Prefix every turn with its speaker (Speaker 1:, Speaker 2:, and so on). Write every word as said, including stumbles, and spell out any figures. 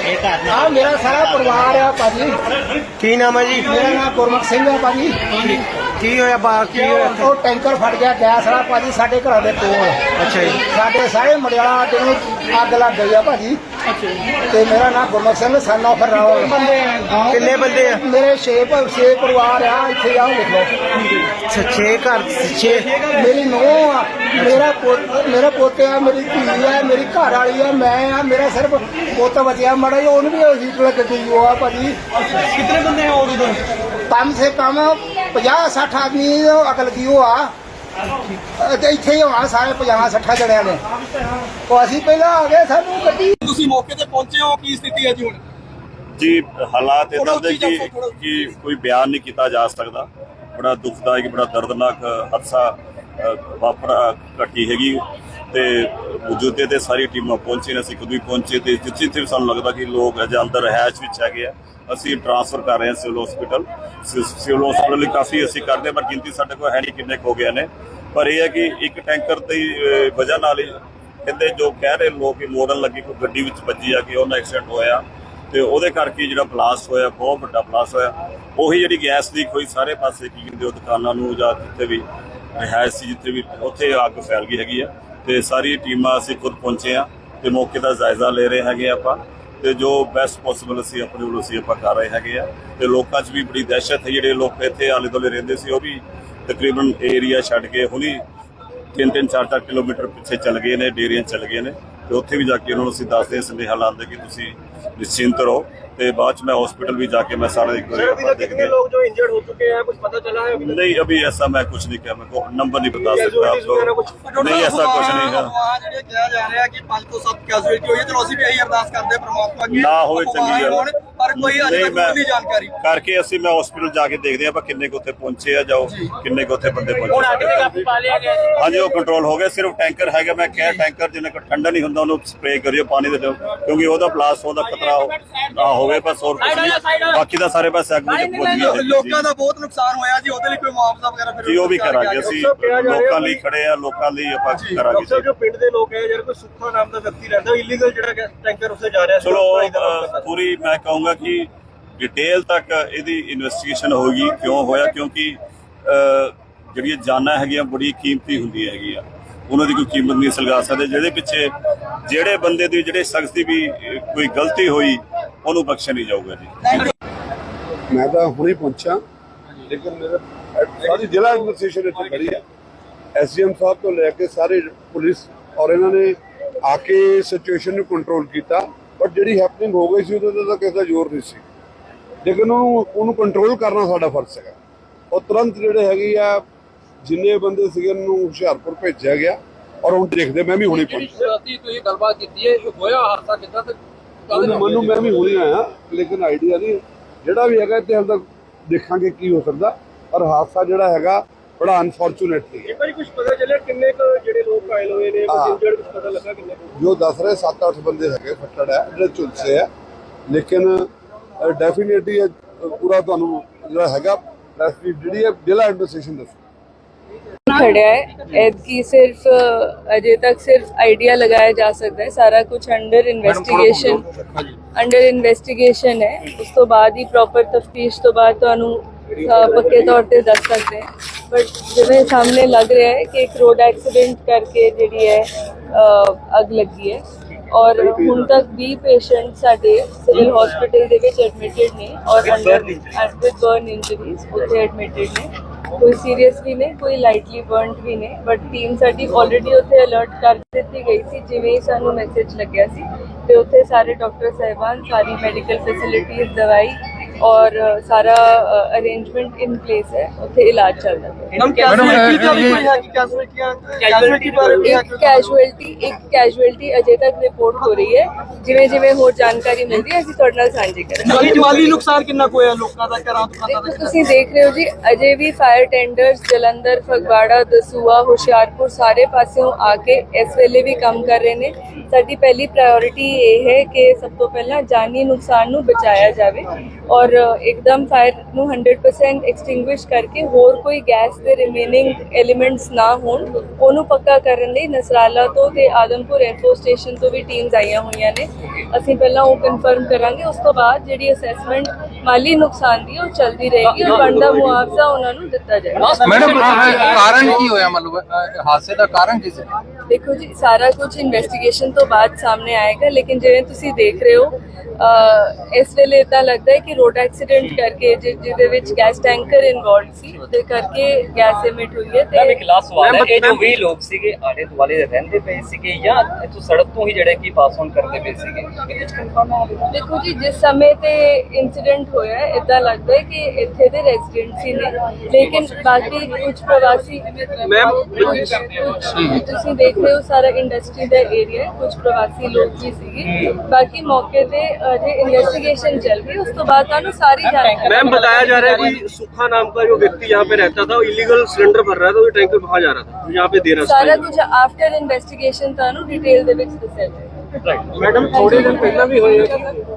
Speaker 1: हाँ मेरा सारा परिवार है भाजी।
Speaker 2: की नाम है जी?
Speaker 1: मेरा नाम गुरमुख सिंह है भाजी।
Speaker 2: की होया बा की होया?
Speaker 1: ਉਹ ਟੈਂਕਰ ਫਟ ਗਿਆ ਗੈਸ ਵਾਲਾ ਭਾਜੀ ਸਾਡੇ ਘਰਾਂ ਦੇ ਕੋਲ।
Speaker 2: ਅੱਛਾ ਜੀ।
Speaker 1: ਸਾਡੇ ਸਾਰੇ ਮੜਿਆਲਾ ਅੱਡੇ ਨੂੰ ਅੱਗ ਲੱਗ ਗਈ ਆ ਭਾਜੀ। ਤੇ ਮੇਰਾ ਨਾਮ ਗੁਰਮੁਖ ਸਿੰਘ ਸਨ ਆਫ ਰਾਵਲ।
Speaker 2: ਕਿੰਨੇ ਬੰਦੇ ਆ?
Speaker 1: ਮੇਰੇ ਛੇ ਛੇ ਪਰਿਵਾਰ ਆ ਇੱਥੇ ਆਓ ਲਿਖ ਲਓ।
Speaker 2: ਛੇ ਘਰ ਛੇ।
Speaker 1: ਮੇਰੀ ਨੂੰਹ ਆ, ਮੇਰਾ ਪੁੱਤ ਮੇਰਾ ਪੋਤੇ ਆ, ਮੇਰੀ ਧੀ ਆ, ਮੇਰੀ ਘਰ ਵਾਲੀ ਆ, ਮੈਂ ਆ, ਮੇਰਾ ਸਿਰਫ ਪੁੱਤ ਬਚਿਆ ਮੜਾ ਜਿਹਾ, ਉਹਨੂੰ ਵੀ ਹੀਟ ਲੱਗ ਗਈ ਉਹ ਆ ਭਾਜੀ।
Speaker 2: कितने बंदे हैं और उधर?
Speaker 1: कम से कम ਪੰਜਾਹ ਸੱਠ ਆਦਮੀ ਅੱਗ ਲੱਗੀ ਉਹ ਆ ਤੇ ਇੱਥੇ ਹੀ ਹੋਣਾ ਸਾਰੇ ਪੰਜਾਹ ਸੱਠ ਜਣਿਆਂ ਨੇ। ਉਹ ਅਸੀਂ ਪਹਿਲਾਂ ਆ ਗਏ, ਸਾਨੂੰ ਗੱਡੀ।
Speaker 3: ਤੁਸੀਂ ਮੌਕੇ ਤੇ ਪਹੁੰਚੇ ਹੋ, ਕੀ ਸਥਿਤੀ ਹੈ ਜੀ ਹੁਣ?
Speaker 4: जी हालात इदा दे कि कि कोई बयान नहीं किया जा सकता। बड़ा दुखदायक बड़ा दर्दनाक हादसा वापरा घटी हैगी ते मौजूदे ते सारी टीमां पहुंची ने, असीं खुद भी पहुंचे ते जिथे जिथे सानूं लगदा कि लोग अजे अंदर रहायश विच हैगे आ, असीं ट्रांसफर कर रहे हैं सिविल हॉस्पिटल। सिविल हॉस्पिटल काफ़ी असीं करदे, पर गिनती साडे कोल है नहीं किन्ने हो गए ने। पर यह है कि एक टैंकर की वजह नाल कहते जो कह रहे लोग कि मोरन लगी कोई गड्डी विच वजी आ कि उन्हें एक्सीडेंट होया ਤੇ ਉਹਦੇ ਕਰਕੇ ਜਿਹੜਾ ਬਲਾਸਟ ਹੋਇਆ, ਬਹੁਤ ਵੱਡਾ ਬਲਾਸਟ ਹੋਇਆ। ਉਹੀ ਜਿਹੜੀ ਗੈਸ ਲੀਕ ਹੋਈ ਸਾਰੇ ਪਾਸੇ ਕੀ ਕਹਿੰਦੇ ਉਹ ਦੁਕਾਨਾਂ ਨੂੰ ਜਾਂ ਜਿੱਥੇ ਵੀ ਰਿਹਾਇਸ਼ ਸੀ ਜਿੱਥੇ ਵੀ ਉੱਥੇ ਅੱਗ ਫੈਲ ਗਈ ਹੈਗੀ ਆ। ਤੇ ਸਾਰੀ ਟੀਮਾਂ ਅਸੀਂ ਖੁਦ ਪਹੁੰਚੇ ਆ ਤੇ ਮੌਕੇ ਦਾ ਜਾਇਜ਼ਾ ਲੈ ਰਹੇ ਹੈਗੇ ਆਪਾਂ ਤੇ ਜੋ ਬੈਸਟ ਪੋਸੀਬਲ ਅਸੀਂ ਆਪਣੇ ਵੱਲੋਂ ਅਸੀਂ ਆਪਾਂ ਕਰ ਰਹੇ ਹੈਗੇ ਆ। ਤੇ ਲੋਕਾਂ 'ਚ ਵੀ ਬੜੀ ਦਹਿਸ਼ਤ ਹੈ, ਜਿਹੜੇ ਲੋਕ ਇੱਥੇ ਆਲੇ ਦੁਆਲੇ ਰਹਿੰਦੇ ਸੀ ਉਹ ਵੀ ਤਕਰੀਬਨ ਏਰੀਆ ਛੱਡ ਕੇ ਹੁਣੀ ਤਿੰਨ ਤਿੰਨ ਚਾਰ ਚਾਰ ਕਿਲੋਮੀਟਰ ਪਿੱਛੇ ਚੱਲ ਗਏ ਨੇ, ਡੇਰੀਆਂ ਚੱਲ ਗਏ ਨੇ। ਤੇ ਉੱਥੇ ਵੀ ਜਾ ਕੇ ਉਹਨਾਂ ਨੂੰ ਅਸੀਂ ਦੱਸਦੇ ਸੰਦੇਹਾ ਲਾਉਂਦੇ ਕਿ ਤੁਸੀਂ निश्चिंत रहो। तो बाद च मैं हॉस्पिटल भी जाके मैं सारा एक
Speaker 3: कितने लोग जो इंजर्ड हो चुके हैं कुछ पता चला है?
Speaker 4: नहीं अभी ऐसा मैं कुछ नहीं किया, मैं को नंबर नहीं बता सकता आपको। नहीं ऐसा कुछ नहीं है।
Speaker 3: किया जा रहा है कि पांच तो सब कैजुअलिटी हुई है, चलो ਅਸੀਂ ਵੀ ਇਹੀ ਅਰਦਾਸ ਕਰਦੇ ਹਾਂ ਪ੍ਰਮਾਤਮਾ ਅੱਗੇ
Speaker 4: ਨਾ ਹੋਵੇ ਚੰਗੀ ਗੱਲ,
Speaker 3: ਪਰ ਕੋਈ ਅਜੇ ਤੱਕ ਨਹੀਂ ਜਾਣਕਾਰੀ
Speaker 4: ਕਰਕੇ ਅਸੀਂ ਮੈਂ ਹਸਪੀਟਲ ਜਾ ਕੇ ਦੇਖਦੇ ਆ ਆਪਾਂ ਕਿੰਨੇ ਕੁ ਉੱਥੇ ਪਹੁੰਚੇ ਆ, ਜਾਓ ਕਿੰਨੇ ਕੁ ਉੱਥੇ ਬੰਦੇ ਪਹੁੰਚੇ।
Speaker 3: ਹੁਣ ਅੱਗ ਤੇ ਕਾਬੂ ਪਾ ਲਿਆ ਗਿਆ?
Speaker 4: ਹਾਂਜੀ ਉਹ ਕੰਟਰੋਲ ਹੋ ਗਿਆ। ਸਿਰਫ ਟੈਂਕਰ ਹੈਗਾ, ਮੈਂ ਕਿਹਾ ਟੈਂਕਰ ਜਿੰਨਾ ਕੋ ਠੰਡਾ ਨਹੀਂ ਹੁੰਦਾ ਉਹਨੂੰ ਸਪਰੇਅ ਕਰਿਓ ਪਾਣੀ ਦੇ ਦਿਓ, ਕਿਉਂਕਿ ਉਹਦਾ ਬਲਾਸਟ ਹੋਣ ਦਾ ਖਤਰਾ ਨਾ ਹੋਵੇ। ਬਸ ਹੋਰ ਕੁਝ ਨਹੀਂ, ਬਾਕੀ ਦਾ ਸਾਰੇ ਪਾਸੇ ਅੱਗ ਵਿੱਚ ਪਹੁੰਚ ਗਈ।
Speaker 3: ਲੋਕਾਂ ਦਾ ਬਹੁਤ ਨੁਕਸਾਨ ਹੋਇਆ ਜੀ, ਉਹਦੇ ਲਈ ਕੋਈ ਮੁਆਵਜ਼ਾ ਵਗੈਰਾ ਫਿਰ
Speaker 4: ਜੀ ਉਹ ਵੀ ਕਰਾਂਗੇ ਅਸੀਂ, ਲੋਕਾਂ ਲਈ ਖੜੇ ਆ, ਲੋਕਾਂ ਲਈ ਆਪਾਂ ਕਰਾਂਗੇ ਜੀ।
Speaker 3: ਜੋ ਪਿੰਡ ਦੇ ਲੋਕ ਹੈ ਯਾਰ ਕੋਈ ਸੁੱਖਾ ਨਾਮ ਦਾ ਵਿਅਕਤੀ ਰਹਿੰਦਾ ਇਲੀਗਲ ਜਿਹੜਾ ਟੈਂਕਰ ਉੱਥੇ ਜਾ ਰਿਹਾ,
Speaker 4: ਚਲੋ ਪੂਰੀ ਮੈਂ ਕਹੂੰਗਾ ਕਿ ਡਿਟੇਲ ਤੱਕ ਇਹਦੀ ਇਨਵੈਸਟੀਗੇਸ਼ਨ ਹੋਗੀ ਕਿਉਂ ਹੋਇਆ, ਕਿਉਂਕਿ ਜਿਹੜੀਆਂ ਜਾਨਾਂ ਹੈਗੀਆਂ ਬੜੀ ਕੀਮਤੀ ਹੁੰਦੀਆਂ ਹੈਗੀਆਂ, ਉਹਨਾਂ ਦੀ ਕੋਈ ਕੀਮਤ ਨਹੀਂ ਸਲਗਾ ਸਕਦੇ। ਜਿਹਦੇ ਪਿੱਛੇ ਜਿਹੜੇ ਬੰਦੇ ਦੀ ਜਿਹੜੇ ਸ਼ਖਸ ਦੀ ਵੀ ਕੋਈ ਗਲਤੀ ਹੋਈ ਉਹਨੂੰ ਬਖਸ਼ਿਆ ਨਹੀਂ ਜਾਊਗਾ ਜੀ।
Speaker 5: ਮੈਂ ਤਾਂ ਹੁਣੇ ਪਹੁੰਚਾ, ਲੇਕਿਨ ਮੇਰਾ ਸਾਰੀ ਜ਼ਿਲ੍ਹਾ ਐਡਮਿਨਿਸਟ੍ਰੇਸ਼ਨ ਇੱਥੇ ਖੜੀ ਹੈ, ਐਸਡੀਐਮ ਸਾਹਿਬ ਤੋਂ ਲੈ ਕੇ ਸਾਰੇ ਪੁਲਿਸ, ਔਰ ਇਹਨਾਂ ਨੇ ਆ ਕੇ ਸਿਚੁਏਸ਼ਨ ਨੂੰ ਕੰਟਰੋਲ ਕੀਤਾ। ਬਟ ਜਿਹੜੀ ਹੈਪਨਿੰਗ ਹੋ ਗਈ ਸੀ ਉਹਦੇ ਤਾਂ ਕਿਸੇ ਦਾ ਜ਼ੋਰ ਨਹੀਂ ਸੀ, ਲੇਕਿਨ ਉਹਨੂੰ ਉਹਨੂੰ ਕੰਟਰੋਲ ਕਰਨਾ ਸਾਡਾ ਫਰਜ਼ ਹੈਗਾ। ਉਹ ਤੁਰੰਤ ਜਿਹੜੇ ਹੈਗੇ ਆ ਜਿੰਨੇ ਬੰਦੇ ਸੀਗੇ ਉਹਨੂੰ ਹੁਸ਼ਿਆਰਪੁਰ ਭੇਜਿਆ ਗਿਆ, ਔਰ ਹੁਣ ਦੇਖਦੇ ਮੈਂ ਵੀ ਹੁਣੇ ਪਹੁੰਚਿਆ।
Speaker 3: ਤੁਸੀਂ ਗੱਲਬਾਤ ਕੀਤੀ ਹੈ ਹੋਇਆ ਹਾਦਸਾ ਕਿੱਦਾਂ ਤੇ
Speaker 5: ਮੈਨੂੰ ਮੈਂ ਵੀ ਹੁਣੇ ਆਇਆ, ਲੇਕਿਨ ਆਈਡੀਆ ਨਹੀਂ ਜਿਹੜਾ ਵੀ ਹੈਗਾ ਤੇ ਹਾਲੇ ਤੱਕ ਦੇਖਾਂਗੇ ਕੀ ਹੋ ਸਕਦਾ। ਪਰ ਹਾਦਸਾ ਜਿਹੜਾ ਹੈਗਾ ਬੜਾ ਅਨਫੋਰਚੂਨੇਟ ਸੀ।
Speaker 3: ਇੱਕ ਵਾਰੀ ਕੁਝ ਪਤਾ ਚੱਲਿਆ ਕਿੰਨੇ ਕੁ ਜਿਹੜੇ ਲੋਕ ਘਾਇਲ ਹੋਏ ਨੇ, ਇੰਜਰਡ ਕੁਝ ਪਤਾ ਲੱਗਾ ਕਿੰਨੇ?
Speaker 5: ਜੋ ਦੱਸ ਰਹੇ ਸੱਤ ਅੱਠ ਬੰਦੇ ਹੈਗੇ ਫੱਟੜ ਹੈ, ਜਿਹੜੇ ਝੁਲਸੇ ਆ, ਲੇਕਿਨ ਡੈਫੀਨੇਟਲੀ ਪੂਰਾ ਤੁਹਾਨੂੰ ਜਿਹੜਾ ਹੈਗਾ ਜਿਹੜੀ ਹੈ ਜ਼ਿਲ੍ਹਾ ਐਡਮਿਨਿਸਟ੍ਰੇਸ਼ਨ ਦੱਸੋ।
Speaker 6: खड़ा है एदकी सिर्फ अजय तक सिर्फ आइडिया लगाया जा सकता है, सारा कुछ अंडर इन्वेस्टिगेशन अंडर इन्वेस्टिगेशन है। उस तो बाद ही प्रॉपर तफ्तीश तो बाद तुहानू पक्के तौर पे दस सकते हैं। बट जिवें सामने लग रहा है कि एक रोड एक्सीडेंट करके जिहड़ी है अग लगी है, और ਹੁਣ तक बीस पेशेंट साडे सिविल हॉस्पिटल दे विच एडमिटेड ने और अंडर विद बर्न इंजरीज उत्थे एडमिटेड ने। कोई सीरीयस भी नहीं, कोई लाइटली बर्नड भी नहीं। बट टीम साडी ऑलरेडी उत्थे अलर्ट कर ਦਿੱਤੀ गई थी, जिवें ही सानू मैसेज लग्या सी ते उत्थे सारे डॉक्टर साहिबान, सारी मैडिकल फैसिलिटीज, दवाई और सारा अरेंजमेंट इन प्लेस है, उत्थे इलाज चल रहा है।
Speaker 3: हम कैजुअलिटी का भी कोई है कि कैजुअलिटी कैजुअलिटी बारे में
Speaker 6: एक कैजुअलिटी एक कैजुअलिटी अजय तक रिपोर्ट हो रही है, जिवें जिवें होर जानकारी मिलदी है ਅਸੀਂ ਤੁਹਾਡੇ ਨਾਲ ਸਾਂਝੀ ਕਰਾਂਗੇ।
Speaker 3: ਮਾਲੀ ਮਾਲੀ ਨੁਕਸਾਨ ਕਿੰਨਾ ਕੁ ਹੋਇਆ ਲੋਕਾਂ ਦਾ, ਘਰਾਂ ਦੁਕਾਨਾਂ ਦਾ?
Speaker 6: ਤੁਸੀਂ ਦੇਖ ਰਹੇ ਹੋ ਜੀ, ਅਜੇ ਵੀ ਫਾਇਰ ਟੈਂਡਰਸ ਜਲੰਧਰ, ਫਗਵਾੜਾ, ਦਸੂਆ, ਹੁਸ਼ਿਆਰਪੁਰ ਸਾਰੇ ਪਾਸਿਓਂ ਆ ਕੇ ਇਸ ਵੇਲੇ ਵੀ ਕੰਮ ਕਰ ਰਹੇ ਨੇ। ਸਾਡੀ ਪਹਿਲੀ ਪ੍ਰਾਇੋਰਿਟੀ ਇਹ ਹੈ ਕਿ ਸਭ ਤੋਂ ਪਹਿਲਾਂ ਜਾਨੀ ਨੁਕਸਾਨ ਨੂੰ ਬਚਾਇਆ ਜਾਵੇ, ਔਰ ਔਰ ਇੱਕਦਮ ਫਾਇਰ ਨੂੰ ਹੰਡਰਡ ਪਰਸੈਂਟ ਐਕਸਟਿੰਗੁਇਸ਼ ਕਰਕੇ ਹੋਰ ਕੋਈ ਗੈਸ ਦੇ ਰਿਮੇਨਿੰਗ ਐਲੀਮੈਂਟਸ ਨਾ ਹੋਣ ਉਹਨੂੰ ਪੱਕਾ ਕਰਨ ਲਈ ਨਸਰਾਲਾ ਤੋਂ ਤੇ ਆਦਮਪੁਰ 에ਅਰਫੋਰਸ ਸਟੇਸ਼ਨ ਤੋਂ ਵੀ ਟੀਮਸ ਆਈਆਂ ਹੋਈਆਂ ਨੇ। ਅਸੀਂ ਪਹਿਲਾਂ ਉਹ ਕਨਫਰਮ ਕਰਾਂਗੇ, ਉਸ ਤੋਂ ਬਾਅਦ ਜਿਹੜੀ ਅਸੈਸਮੈਂਟ ਮਾਲੀ ਨੁਕਸਾਨ ਦੀ ਉਹ ਚੱਲਦੀ ਰਹੇਗੀ ਔਰ ਬਣਦਾ ਮੁਆਵਜ਼ਾ ਉਹਨਾਂ ਨੂੰ ਦਿੱਤਾ ਜਾਏਗਾ।
Speaker 7: ਮੈਡਮ ਕਾਰਨ ਕੀ ਹੋਇਆ, ਮਤਲਬ ਅਹ, ਹਾਦਸੇ ਦਾ ਕਾਰਨ ਕੀ ਸੀ?
Speaker 6: ਦੇਖੋ ਜੀ, ਸਾਰਾ ਕੁਝ ਇਨਵੈਸਟੀਗੇਸ਼ਨ ਤੋਂ ਬਾਅਦ ਸਾਹਮਣੇ ਆਏਗਾ, ਲੇਕਿਨ ਜਿਵੇਂ ਤੁਸੀਂ ਦੇਖ ਰਹੇ ਹੋ ਅਹ, ਇਸ ਵੇਲੇ ਇਦਾਂ ਲੱਗਦਾ ਹੈ ਕਿ ਰੋਡ ਐਕਸੀਡੈਂਟ ਕਰਕੇ ਜਿ- ਜਿਹਦੇ ਵਿੱਚ ਗੈਸ ਟੈਂਕਰ ਇਨਵੋਲਵ ਸੀ ਉਹਦੇ ਕਰਕੇ ਗੈਸ ਐਮਿਟ ਹੋਈ ਹੈ
Speaker 8: ਮੈਮ
Speaker 6: ਤੇ
Speaker 8: ਇੱਕ ਲਾਸਟ ਸਵਾਲ ਹੈ, ਇਹ ਜੋ ਵੀਹ ਲੋਕ ਸੀਗੇ ਆਲੇ ਦੁਆਲੇ ਰਹਿੰਦੇ ਪਏ ਸੀਗੇ ਜਾਂ ਇੱਥੋਂ ਸੜਕ ਤੋਂ ਹੀ ਜਿਹੜੇ ਕਿ ਪਾਸ ਆਨ ਕਰਦੇ ਪਏ ਸੀਗੇ? ਇਹ ਕੁਝ ਕਨਫਰਮ ਹੈ?
Speaker 6: ਦੇਖੋ ਜੀ, ਜਿਸ ਸਮੇਂ ਤੇ ਇੰਸੀਡੈਂਟ ਹੋਇਆ ਹੈ ਇਦਾਂ ਲੱਗਦਾ ਹੈ ਕਿ ਇੱਥੇ ਦੇ ਰੈਜ਼ੀਡੈਂਟਸ ਹੀ ਨੇ, ਲੇਕਿਨ ਬਾਕੀ ਕੁਝ ਪ੍ਰਵਾਸੀ ਮੈਮ ਤੁਸੀਂ ਦੇਖ ਰਹੇ ਹੋ ਸਾਰਾ ਇੰਡਸਟਰੀ ਦਾ ਏਰੀਆ ਹੈ, ਕੁਝ ਪ੍ਰਵਾਸੀ ਲੋਕ ਵੀ ਸੀਗੇ। ਬਾਕੀ ਮੌਕੇ ਤੇ ਅਜੇ ਇन्वेस्टिगेशन चल रही है, उस तो बाद ਤੁਹਾਨੂੰ ਸਾਰੀ जानकारी।
Speaker 9: मैम बताया जा रहा है कि सुखा नाम का जो व्यक्ति यहाँ पे रहता था वो इलीगल सिलेंडर भर रहा था, वो टैंकर वहाँ जा रहा था, यहाँ पे दे रहा था।
Speaker 6: ਸਾਰਾ ਕੁਝ ਆਫਟਰ ਇਨਵੈਸਟੀਗੇਸ਼ਨ ਤੁਹਾਨੂੰ ਡਿਟੇਲ ਦੇ ਵਿੱਚ ਦੱਸਿਆ ਜਾਏਗਾ।
Speaker 9: मैडम थोड़े दिन पहला भी हुए